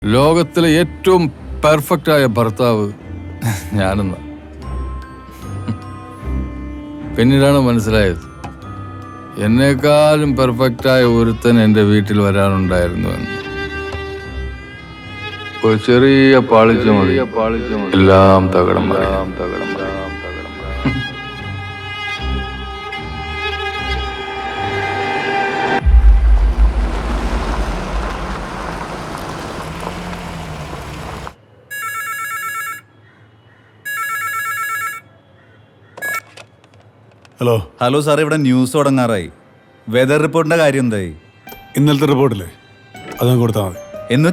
ലോകത്തിലെ ഏറ്റവും പെർഫെക്റ്റായ ഭർത്താവ് ഞാനെന്ന് പിന്നീടാണ് മനസ്സിലായത് എന്നെക്കാളും പെർഫെക്റ്റായ ഒരുത്തൻ എൻ്റെ വീട്ടിൽ വരാനുണ്ടായിരുന്നു എന്ന്. ഒരു ചെറിയ പാളിച്ച മതി എല്ലാം തകടം തകടം. ഹലോ സാർ, ഇവിടെ ന്യൂസ് തുടങ്ങാറായി. വെതർ റിപ്പോർട്ടിന്റെ കാര്യം എന്തായി? ഇന്നലത്തെ റിപ്പോർട്ടില്ലേ അതങ്ങ് കൊടുത്താൽ മതി.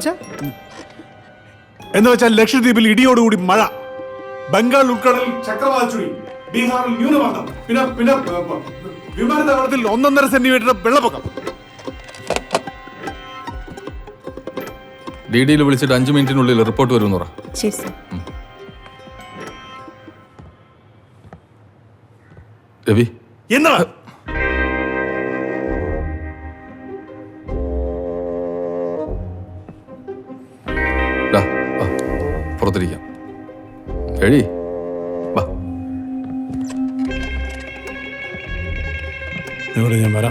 എന്ന് വെച്ചാൽ ലക്ഷദ്വീപിൽ ഇടിയോടുകൂടി മഴ, ബംഗാൾ ഉൾക്കടലിൽ ചക്രവാത ചുഴി, ബീഹാറിൽ ന്യൂനമർദ്ദം, പിന്നെ പിന്നെ വിമാനത്താവളത്തിൽ 1.5 സെന്റിമീറ്റർ വെള്ളപ്പൊക്കം. DD-യിൽ വിളിച്ചിട്ട് 5 മിനിറ്റിനുള്ളിൽ റിപ്പോർട്ട് വരുമെന്ന് പറ. ശരി സർ. രവി, എന്താ പുറത്തിരിക്കാം. എഴി വാ. ഇവിടെ ഞാൻ വരാം.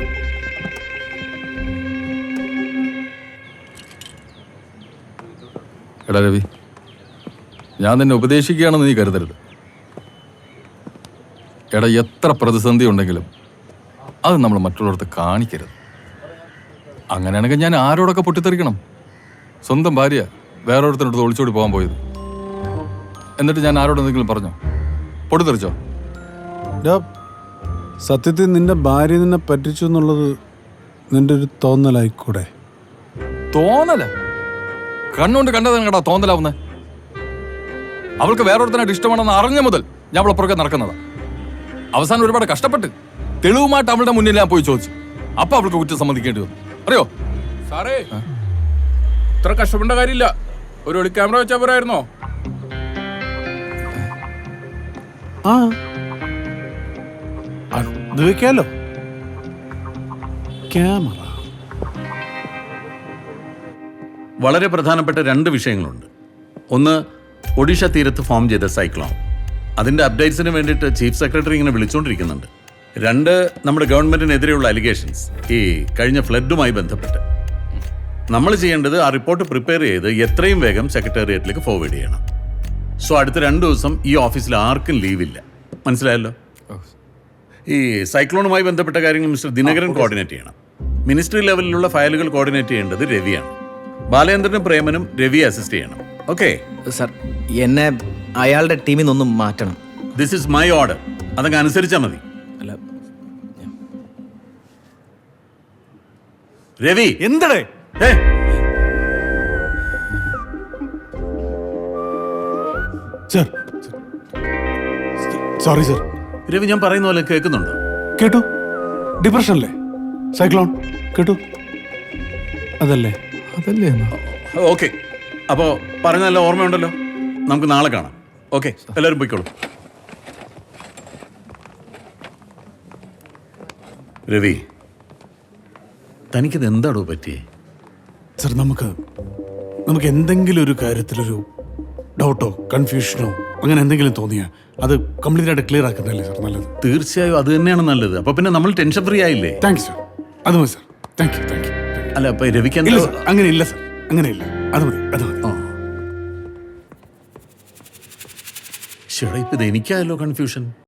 എടാ രവി, ഞാൻ നിന്നെ ഉപദേശിക്കുകയാണെന്ന് നീ കരുതരുത്. എടാ, എത്ര പ്രതിസന്ധി ഉണ്ടെങ്കിലും അത് നമ്മൾ മറ്റുള്ളവർക്ക് കാണിക്കരുത്. അങ്ങനെയാണെങ്കിൽ ഞാൻ ആരോടൊക്കെ പൊട്ടിത്തെറിക്കണം? സ്വന്തം ഭാര്യ വേറൊരുത്തനടുത്ത് ഒളിച്ചോടി പോകാൻ പോയത്, എന്നിട്ട് ഞാൻ ആരോടെന്തെങ്കിലും പറഞ്ഞോ? പൊട്ടിത്തെറിച്ചോ? സത്യത്തിൽ നിന്റെ ഭാര്യ നിന്നെ പറ്റിച്ചു എന്നുള്ളത് നിന്റെ ഒരു തോന്നലായിക്കൂടെ? തോന്നല? കണ്ണുകൊണ്ട് കണ്ടതാണ് കേട്ടോ തോന്നലാവുന്നേ. അവൾക്ക് വേറൊരുത്തനായിട്ട് ഇഷ്ടമാണെന്ന് അറിഞ്ഞ മുതൽ ഞാൻ അവളെ പുറകെ നടക്കുന്നതാ. അവസാനം ഒരുപാട് കഷ്ടപ്പെട്ട് തെളിവുമായിട്ട് അവളുടെ മുന്നിൽ ഞാൻ പോയി ചോദിച്ചു. അപ്പൊ അവൾക്ക് കുറ്റം സമ്മതിക്കേണ്ടി വന്നു. അറിയോ സാറേ, ഇത്ര കഷ്ടപ്പെട്ട കാര്യമില്ല. ഒരു ഒളി ക്യാമറ വെച്ചാൽ പോരായിരുന്നോ? ആ അത് വെക്കാലോ ക്യാമറ. വളരെ പ്രധാനപ്പെട്ട 2 വിഷയങ്ങളുണ്ട്. ഒന്ന്, ഒഡീഷ തീരത്ത് ഫോം ചെയ്ത സൈക്ലോൺ. അതിൻ്റെ അപ്ഡേറ്റ്സിന് വേണ്ടിയിട്ട് ചീഫ് സെക്രട്ടറി ഇങ്ങനെ വിളിച്ചുകൊണ്ടിരിക്കുന്നുണ്ട്. 2, നമ്മുടെ ഗവൺമെൻറ്റിനെതിരെയുള്ള അലിഗേഷൻസ് ഈ കഴിഞ്ഞ ഫ്ലഡുമായി ബന്ധപ്പെട്ട്. നമ്മൾ ചെയ്യേണ്ടത് ആ റിപ്പോർട്ട് പ്രിപ്പയർ ചെയ്ത് എത്രയും വേഗം സെക്രട്ടേറിയറ്റിലേക്ക് ഫോർവേഡ് ചെയ്യണം. സോ അടുത്ത 2 ദിവസം ഈ ഓഫീസിൽ ആർക്കും ലീവില്ല. മനസ്സിലായല്ലോ? ഈ സൈക്ലോണുമായി ബന്ധപ്പെട്ട കാര്യങ്ങൾ മിസ്റ്റർ ദിനകരൻ കോർഡിനേറ്റ് ചെയ്യണം. മിനിസ്ട്രി ലെവലിലുള്ള ഫയലുകൾ കോർഡിനേറ്റ് ചെയ്യേണ്ടത് രവിയാണ്. ബാലേന്ദ്രനും പ്രേമനും രവിയെ അസിസ്റ്റ് ചെയ്യണം. ഓക്കെ സർ, എന്നെ അയാളുടെ ടീമിൽ നിന്നൊന്നും മാറ്റണം. This is my order. അതങ്ങ് അനുസരിച്ചാൽ മതി. അല്ല, രവി എന്തടേ? Sir, sorry sir. രവി, ഞാൻ പറയുന്ന പോലെ കേൾക്കുന്നുണ്ടോ? കേട്ടു. ഡിപ്രഷനല്ലേ? സൈക്ലോൺ കേട്ടു. അതല്ലേ? ഓക്കെ, അപ്പോൾ പറഞ്ഞല്ല ഓർമ്മയുണ്ടല്ലോ. നമുക്ക് നാളെ കാണാം. ഓക്കെ, എല്ലാവരും പോയിക്കോളൂ. രവി, തനിക്കിത് എന്താണോ പറ്റിയേ? സർ, നമുക്ക് എന്തെങ്കിലും ഒരു കാര്യത്തിലൊരു ഡൗട്ടോ കൺഫ്യൂഷനോ അങ്ങനെ എന്തെങ്കിലും തോന്നിയാൽ അത് കംപ്ലീറ്റ് ആയിട്ട് ക്ലിയർ ആക്കുന്നതല്ലേ സർ നല്ലത്? തീർച്ചയായും അത് തന്നെയാണ് നല്ലത്. അപ്പൊ പിന്നെ നമ്മൾ ടെൻഷൻ ഫ്രീ ആയില്ലേ? Thank you sir. അത് മതി സർ. Thank you. അല്ല, അപ്പൊ രവിക്ക് ഇല്ല സർ, അങ്ങനെയില്ല സർ, അങ്ങനെയില്ല. അത് മതി. ഇപ്പൊ ഇത് എനിക്കായല്ലോ കൺഫ്യൂഷൻ.